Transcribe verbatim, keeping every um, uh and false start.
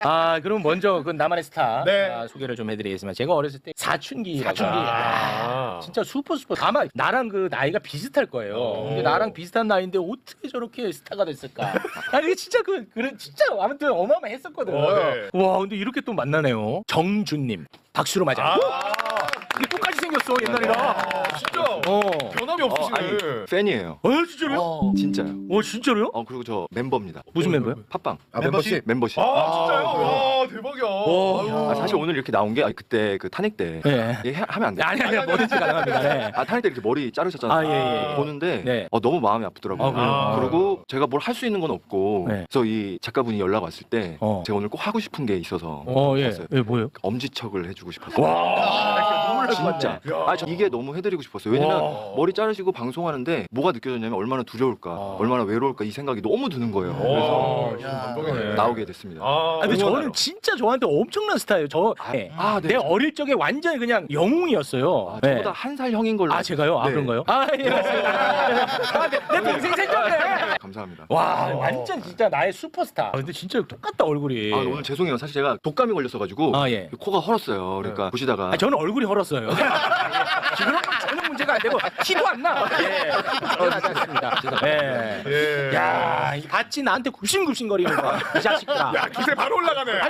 아, 그럼 먼저 그 나만의 스타 네. 아, 소개를 좀 해드리겠습니다. 제가 어렸을 때 사춘기라고. 사춘기. 아, 진짜 슈퍼스타. 아마 나랑 그 나이가 비슷할 거예요. 오. 근데 나랑 비슷한 나이인데 어떻게 저렇게 스타가 됐을까? 아니 이게 진짜 그 그래 진짜 아무튼 어마어마했었거든. 어, 네. 와, 근데 이렇게 또 만나네요. 정준님 박수로 맞아. 아, 근데 똑같이 생겼어 옛날이랑. 아, 진짜 어. 변함이 어, 없으시네. 아니 팬이에요. 어 진짜로요? 진짜요. 어 진짜로요? 어 그리고 저 멤버입니다. 무슨 멤버요? 팝빵 아, 멤버십. 멤버십. 아, 진짜요? 와, 대박이야. 와. 아, 사실 오늘 이렇게 나온 게 아니, 그때 그 탄핵 때 네. 얘 해- 하면 안 돼. 아니 아니 뭐든지 가능합니다. 네. 아 탄핵 때 이렇게 머리 자르셨잖아요. 아, 예, 예. 보는데 네. 어, 너무 마음이 아프더라고요. 아, 그래요? 그리고 제가 뭘 할 수 있는 건 없고 네. 그래서 이 작가분이 연락 왔을 때 어. 제가 오늘 꼭 하고 싶은 게 있어서 어 예. 왔어요. 예 뭐요? 엄지척을 해주고 싶었어요. 와. 눈물 날 것 진짜. 같네. 아, 저 이게 너무 해드리고 싶었어요. 왜냐면 와. 머리 자르시고 방송하는데 뭐가 느껴졌냐면 얼마나 두려울까, 아. 얼마나 외로울까 이 생각이 너무 드는 거예요. 오, 그래서 야, 감동이네. 나오게 됐습니다. 아, 아, 근데 응원하러. 저는 진짜 저한테 엄청난 스타예요. 저 아, 네. 아, 네. 내 어릴 적에 완전히 그냥 영웅이었어요. 아, 네. 저보다 한 살 형인 걸로. 아 제가요? 아 네. 그런가요? 아 예. 맞습니다. 아, 내, 내 동생 생겼네. 감사합니다. 와 완전 진짜 나의 슈퍼스타. 아, 근데 진짜 똑같다 얼굴이. 아, 오늘 죄송해요. 사실 제가 독감이 걸렸어가지고 아, 예. 코가 헐었어요. 그러니까 보시다가 아, 저는 얼굴이 헐었어요. 지금 전혀 문제가 안 되고 티도 안 나. 예. 전혀 나지 않습니다. 예. 예. 야, 이 봤지 나한테 굽신굽신거리는 거야. 이 자식들아. 야, 기세 바로 올라가네.